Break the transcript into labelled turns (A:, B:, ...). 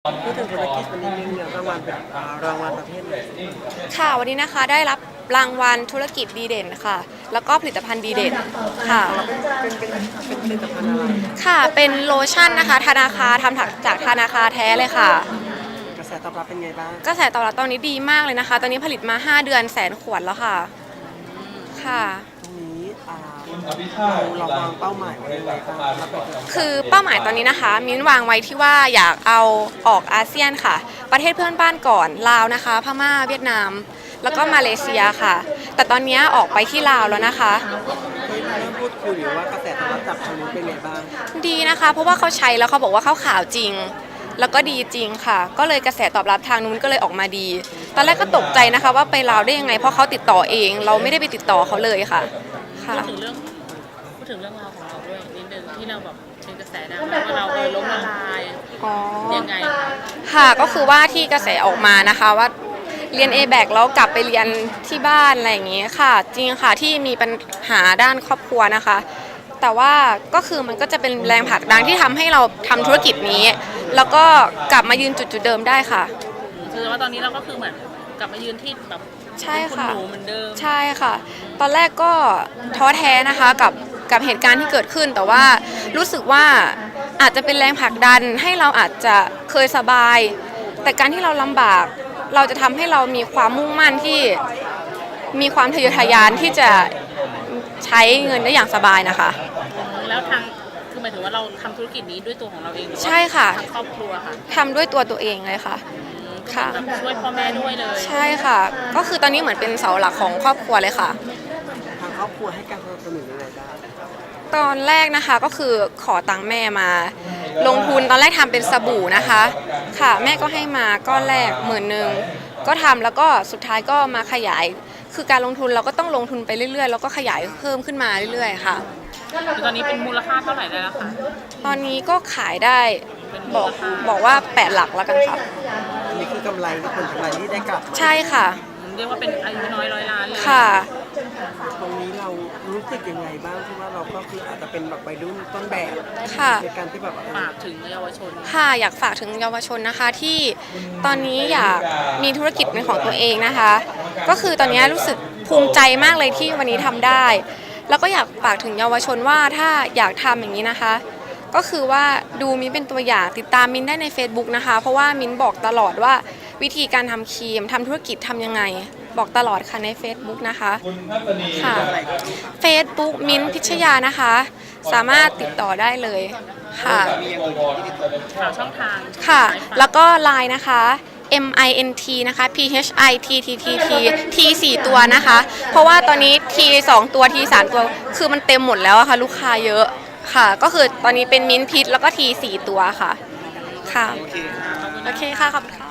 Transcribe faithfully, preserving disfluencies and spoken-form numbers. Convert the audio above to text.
A: พูดถึงธุรกิจวันนี้มีรางวัลเป็นรางวัลประเภทไหน
B: ค่ะวันนี้นะคะได้รับรางวัลธุรกิจดีเด่นค่ะแล้วก็ผลิตภัณฑ์ดีเด่นค่ะ
A: เป็นเป็นเป็นผลิตภัณฑ์อะไร
B: ค่ะเป็นโลชั่นนะคะธนาคารทำจากธนาคารแท้เลยค่ะ
A: กระแสตอบรับเป็นไงบ้าง
B: กระแสตอบรับตอนนี้ดีมากเลยนะคะตอนนี้ผลิตมาห้าเดือนแสนขวดแล้วค่ะค่ะ
A: ตรงนี้เราเราวางเป้าหมายไว้ยังไงบ้าง
B: คือเป้าหมายตอนนี้นะคะมิ้นวางไว้ที่ว่าอยากเอาออกอาเซียนค่ะประเทศเพื่อนบ้านก่อนลาวนะคะพม่าเวียดนามแล้วก็มาเลเซียค่ะแต่ตอนนี้ออกไปที่ลาวแล้วนะคะ
A: เริ่มพูดคุยหรือว่ากระแสตอบรับจากทางนู้นเป็นไงบ้าง
B: ดีนะคะเพราะว่าเขาใช้แล้วเขาบอกว่าเขาขาวจริงแล้วก็ดีจริงค่ะก็เลยกระแสตอบรับทางนู้นก็เลยออกมาดีตอนแรกก็ตกใจนะคะว่าไปลาวได้ยังไงเพราะเขาติดต่อเองเราไม่ได้ไปติดต่อเขาเลยค่ะ
C: ค่ะพูดถึงเรื่องพูดถึงเรื่องราวของเราด้วยนิดนึงที่เราแบบเป็นกระแสดังว่าเราเออล้มละลายยังไง
B: ค่ะก็คือว่าที่กระแสออกมานะคะว่าเรียน เอ แบค แล้วกลับไปเรียนที่บ้านอะไรอย่างเงี้ยค่ะจริงค่ะที่มีปัญหาด้านครอบครัวนะคะแต่ว่าก็คือมันก็จะเป็นแรงผลักดันที่ทำให้เราทำธุรกิจนี้แล้วก็กลับมายืนจุดจุดเดิมได้ค่ะ
C: คือว่าตอนนี้เราก็คือเหมือนกลับมายืนที่แบบ
B: ใช่ค่ะ
C: เหมือนเดิม
B: ใช่ค่ะตอนแรกก็ท้อแท้นะคะกับกับเหตุการณ์ที่เกิดขึ้นแต่ว่ารู้สึกว่าอาจจะเป็นแรงผลักดันให้เราอาจจะเคยสบายแต่การที่เราลำบากเราจะทำให้เรามีความมุ่งมั่นที่มีความทะเยอทะยานที่จะใช้เงินได้อย่างสบายนะคะ
C: แล้วทางคือหมายถึงว่าเราทำธุรกิจนี้ด้วยตัวของเราเองหรือว่า
B: ใช่ค่ะ
C: ทางครอบครัวค่ะ
B: ทำด้วยตัวตัวเองเลยค่ะ
C: ค่ะช่วยพ่อแม่ด้วยเลย
B: ใช่ค่ะก็คือตอนนี้เหมือนเป็นเสาหลักของครอบครัวเลยค่ะ
A: ทางครอบครัวให้การสนับสนุนยังไงบ้าง
B: ตอนแรกนะคะก็คือขอตังค์แม่มา ลงทุนตอนแรกทำเป็นสบู่นะคะค่ะแม่ก็ให้มาก้อนแรกหมื่นหนึ่งก็ทำแล้วก็สุดท้ายก็มาขยายคือการลงทุนเราก็ต้องลงทุนไปเรื่อยๆแล้วก็ขยายเพิ่มขึ้นมาเรื่อยๆค่ะ
C: ตอนนี้เป็นมูลค่าเท่าไหร่ได้แล้วคะ
B: ตอนนี้ก็ขายได้บอกบอกว่าแปดหลักแล้วกันค่ะ
A: อันนี้คือกำไรที่ผลกำไรที่ได้กลับ
B: ใช่ค่ะ
C: เรียกว่าเป็นอายุน้อยร้อยล้านเลย
B: ค่ะ
A: ตรงนี้เรารู้สึกยังไงบ้างที่ว่าเราก็คืออาจจะเป็นแบบวัยรุ่นต้นแบบในการที่แบบ
C: ฝากถึงเยาวชน
B: ค่ะอยากฝากถึงเยาวชนนะคะที่ตอนนี้อยากมีธุรกิจเป็นของตัวเองนะคะก็คือตอนนี้รู้สึกภูมิใจมากเลยที่วันนี้ทำได้แล้วก็อยากฝากถึงเยาวชนว่าถ้าอยากทำอย่างนี้นะคะก็คือว่าดูมิ้นเป็นตัวอย่างติดตามมิ้นได้ใน Facebook นะคะเพราะว่ามิ้นบอกตลอดว่าวิธีการทำครีมทำธุรกิจทำยังไงบอกตลอดค่ะใน Facebook นะคะค่ะ Facebook มิ้นพิชยานะคะสามารถติดต่อได้เลยค่ะ
C: ช่องทาง
B: ค่ะแล้วก็ ไลน์ นะคะ M I N T นะคะ P H I T T T T T สี่ตัวนะคะเพราะว่าตอนนี้ T สองตัว T สามตัวคือมันเต็มหมดแล้วค่ะลูกค้าเยอะค่ะก็คือตอนนี้เป็นมิ้นพิชแล้วก็ T สี่ตัวค่ะค่ะโอเคค่ะขอบคุณค่ะ